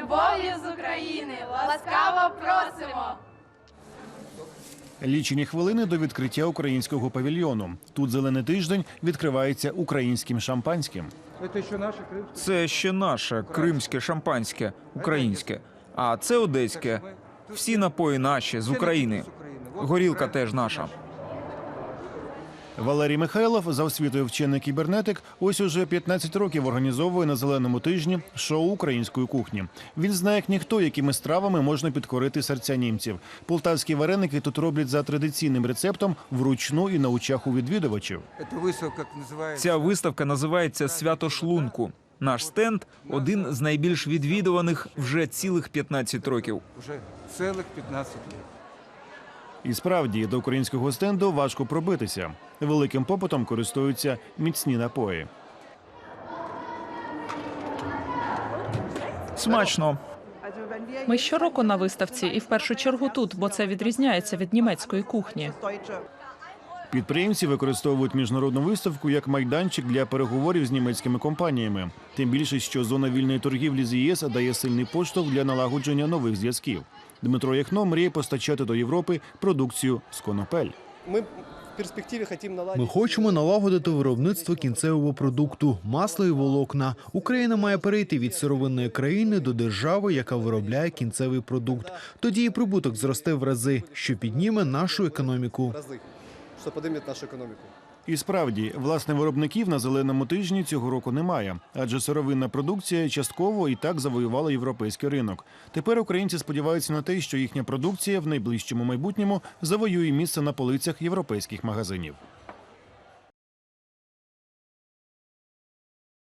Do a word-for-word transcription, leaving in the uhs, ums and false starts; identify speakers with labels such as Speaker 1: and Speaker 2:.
Speaker 1: любов'ю з України ласкаво просимо!
Speaker 2: Лічені хвилини до відкриття українського павільйону. Тут зелений тиждень відкривається українським шампанським.
Speaker 3: Це ще наше кримське шампанське, українське. А це одеське. Всі напої наші, з України. Горілка теж наша.
Speaker 2: Валерій Михайлов, за освітою вчений кібернетик, ось уже п'ятнадцять років організовує на зеленому тижні шоу української кухні. Він знає, як ніхто, якими стравами можна підкорити серця німців. Полтавські вареники тут роблять за традиційним рецептом вручну і на очах у відвідувачів.
Speaker 3: Ця виставка називається «Свято шлунку». Наш стенд – один з найбільш відвідуваних вже цілих п'ятнадцять років.
Speaker 4: Уже цілих п'ятнадцять років.
Speaker 2: І справді, до українського стенду важко пробитися. Великим попитом користуються міцні напої.
Speaker 3: Смачно.
Speaker 5: Ми щороку на виставці і в першу чергу тут, бо це відрізняється від німецької кухні.
Speaker 2: Підприємці використовують міжнародну виставку як майданчик для переговорів з німецькими компаніями. Тим більше, що зона вільної торгівлі з ЄС дає сильний поштовх для налагодження нових зв'язків. Дмитро Яхно мріє постачати до Європи продукцію з конопель.
Speaker 6: Ми хочемо налагодити виробництво кінцевого продукту – масла і волокна. Україна має перейти від сировинної країни до держави, яка виробляє кінцевий продукт. Тоді і прибуток зросте в рази, що підніме нашу економіку.
Speaker 2: І справді, власне, виробників на зеленому тижні цього року немає, адже сировинна продукція частково і так завоювала європейський ринок. Тепер українці сподіваються на те, що їхня продукція в найближчому майбутньому завоює місце на полицях європейських магазинів.